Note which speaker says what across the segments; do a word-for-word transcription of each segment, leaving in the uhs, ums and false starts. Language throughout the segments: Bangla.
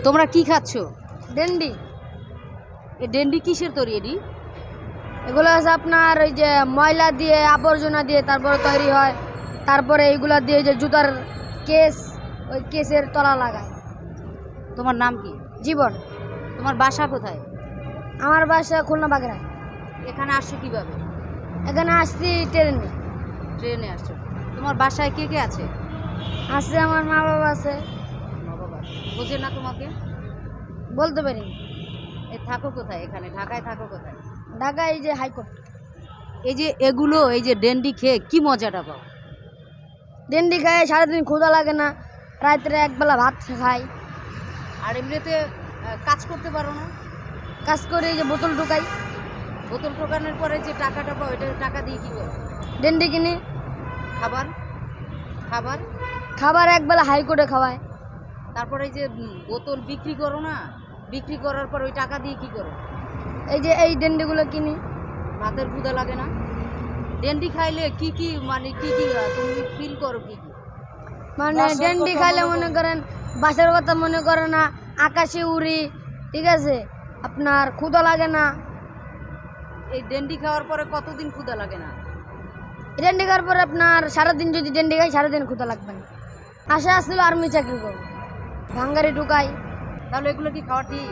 Speaker 1: তোমরা কি খাচ্ছ?
Speaker 2: ডেন্ডি।
Speaker 1: এই ডেন্ডি কিসের তৈরি? এডি
Speaker 2: এগুলো আছে আপনার ওই যে ময়লা দিয়ে আবর্জনা দিয়ে তারপরে তৈরি হয়। তারপরে এইগুলা দিয়ে যে জুতার কেস, ওই কেসের তলা লাগায়।
Speaker 1: তোমার নাম কি?
Speaker 2: জীবন।
Speaker 1: তোমার বাসা কোথায়?
Speaker 2: আমার বাসা খুলনা বাগড়ায়।
Speaker 1: এখানে আসছো কিভাবে?
Speaker 2: এখানে আসছি ট্রেনে।
Speaker 1: ট্রেনে আসছো। তোমার বাসায় কে কে আছে?
Speaker 2: আছে আমার মা বাবা আছে।
Speaker 1: মা বাবা বোঝে না তোমাকে?
Speaker 2: বলতে পারি।
Speaker 1: এ থাকো কোথায়? এখানে ঢাকায় থাকো কোথায়?
Speaker 2: ঢাকায় এই যে হাইকোর্ট।
Speaker 1: এই যে এগুলো, এই যে ডেন্ডি খেয়ে কি মজাটা পাও?
Speaker 2: ডেন্ডি খায় সারাদিন ক্ষুধা লাগে না, রাত্রে একবেলা ভাত খাই।
Speaker 1: আর এমনিতে আহ, কাজ করতে পারো না?
Speaker 2: কাজ করে এই যে বোতল ঢুকাই।
Speaker 1: বোতল টোকানোর পরে যে টাকাটা পাও, এটা টাকা দিয়ে কি করো?
Speaker 2: ডেন্ডি কিনি।
Speaker 1: খাবার খাবার
Speaker 2: খাবার একবেলা হাইকোর্টে খাওয়ায়।
Speaker 1: তারপরে এই যে উম, বোতল বিক্রি করো না, বিক্রি করার পর ওই টাকা দিয়ে কি করো?
Speaker 2: এই যে এই ডেন্ডিগুলো কিনি।
Speaker 1: ভাতের ক্ষুধা লাগে না? ডেন্ডি খাইলে কি কি মানে কি কি আহ, তুমি ফিল করো কি কি?
Speaker 2: মানে ডেন্ডি খাইলে মনে করেন বাসার কথা মনে করে না, আকাশে উড়ি, ঠিক আছে, আপনার ক্ষুধা লাগে না।
Speaker 1: এই ডেন্ডি খাওয়ার পরে কতদিন ক্ষুধা লাগে না?
Speaker 2: ডেন্ডি খাওয়ার পরে আপনার সারাদিন যদি ডেন্ডি খাই সারাদিন ক্ষুধা লাগবে না। আশা আসছিল আর্মি চাকরি করবো, ভাঙ্গারি ঢুকাই।
Speaker 1: তাহলে এগুলো কি খাওয়া ঠিক?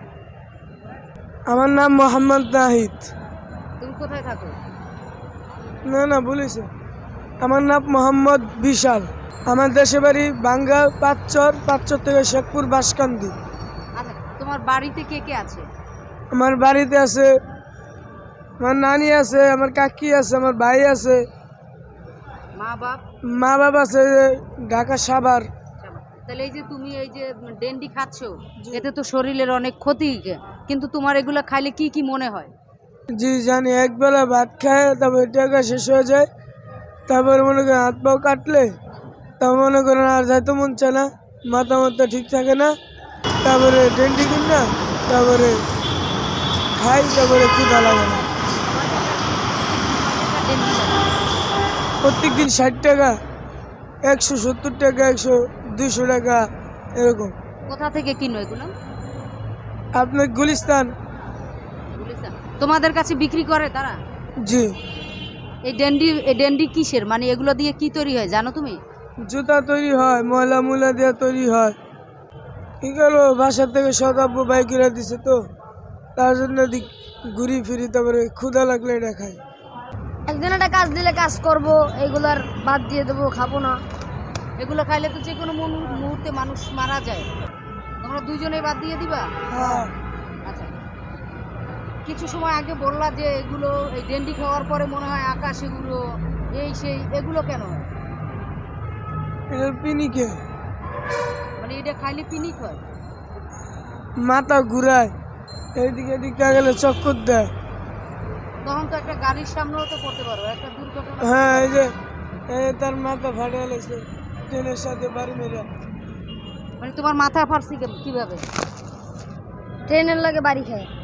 Speaker 3: আমার নাম মোহাম্মদ নাহিদ।
Speaker 1: তুমি কোথায় থাকো?
Speaker 3: না না বলেছে। আমার নাম মোহাম্মদ বিশাল। আমার দেশে বাড়ি বাঙ্গা পাঁচচর, পাঁচচর থেকে শেখপুর বাসকান্দি।
Speaker 1: আচ্ছা, তোমার বাড়িতে কে কে আছে?
Speaker 3: আমার বাড়িতে আছে আমার নানি আছে, আমার কাকি আছে, আমার ভাই আছে,
Speaker 1: মা বাপ?
Speaker 3: মা বাবা আছে ঢাকা সাভার।
Speaker 1: তাহলে এই যে তুমি এই যে ডেন্ডি খাচ্ছ, এতে তো শরীরের অনেক ক্ষতি, কিন্তু তোমার এগুলো খাইলে কি কি মনে হয়?
Speaker 3: জি জানি, একবেলা ভাত খায় তারপর টাকা শেষ হয়ে যায়, তারপরে মনে করেন হাত পাও কাটলে তা মনে করেন আর যাইতে মন চায় না, মাথা মাথা ঠিক থাকে না, তারপরে ডেন্ডি কিন না, তারপরে খাই, তারপরে ক্ষুধা লাগে না। প্রত্যেক দিন ষাট টাকা, একশো সত্তর টাকা, একশো দুইশো টাকা এরকম।
Speaker 1: কোথা থেকে কিনো এগুলো?
Speaker 3: আপনার গুলিস্তান।
Speaker 1: গুলিস্তান। তোমাদের কাছে বিক্রি করে তারা?
Speaker 3: জি।
Speaker 1: এই ডেন্ডি, এই ডেন্ডি কিসের, মানে এগুলো দিয়ে কি তৈরি হয় জানো তুমি?
Speaker 3: জুতা তৈরি হয়, ময়লা মুলা দিয়ে তৈরি হয়। কি করবো, বাসার থেকে শতাব্য বাইকেরা দিছে তো, তার জন্য দি- ঘুরি ফিরি, তারপরে ক্ষুধা লাগলে এটা খাই।
Speaker 2: একদিন একটা কাজ দিলে কাজ করব, এইগুলার বাদ দিয়ে দেবো, খাবো না।
Speaker 1: এগুলো খাইলে তো যে কোনো মুহূর- মুহূর্তে মানুষ মারা যায়। তোমরা দুইজনে বাদ দিয়ে দিবা?
Speaker 3: হ্যাঁ।
Speaker 1: আচ্ছা, কিছু সময় আগে বললা যে এগুলো, এই ডেন্ডি খাওয়ার পরে মনে হয় আকাশ, এগুলো এই সেই, এগুলো কেন হয়?
Speaker 3: এটার পিনিকে
Speaker 1: মানে এটা খাইলে পিনিক হয়?
Speaker 3: মাথা ঘুরায়, এইদিকে এদিকে গেলে চক্কর দেয়।
Speaker 1: তখন তো একটা গাড়ির সামনেও তো করতে পারো, একটা দুর্ঘটনা।
Speaker 3: হ্যাঁ, এই যে এই তার মাথা ফাটে গেছে ট্রেনের সাথে বাড়ি মেরে।
Speaker 1: মানে তোমার মাথা ফাটছে কে- কিভাবে?
Speaker 2: ট্রেনের লাগে বাড়ি খায়।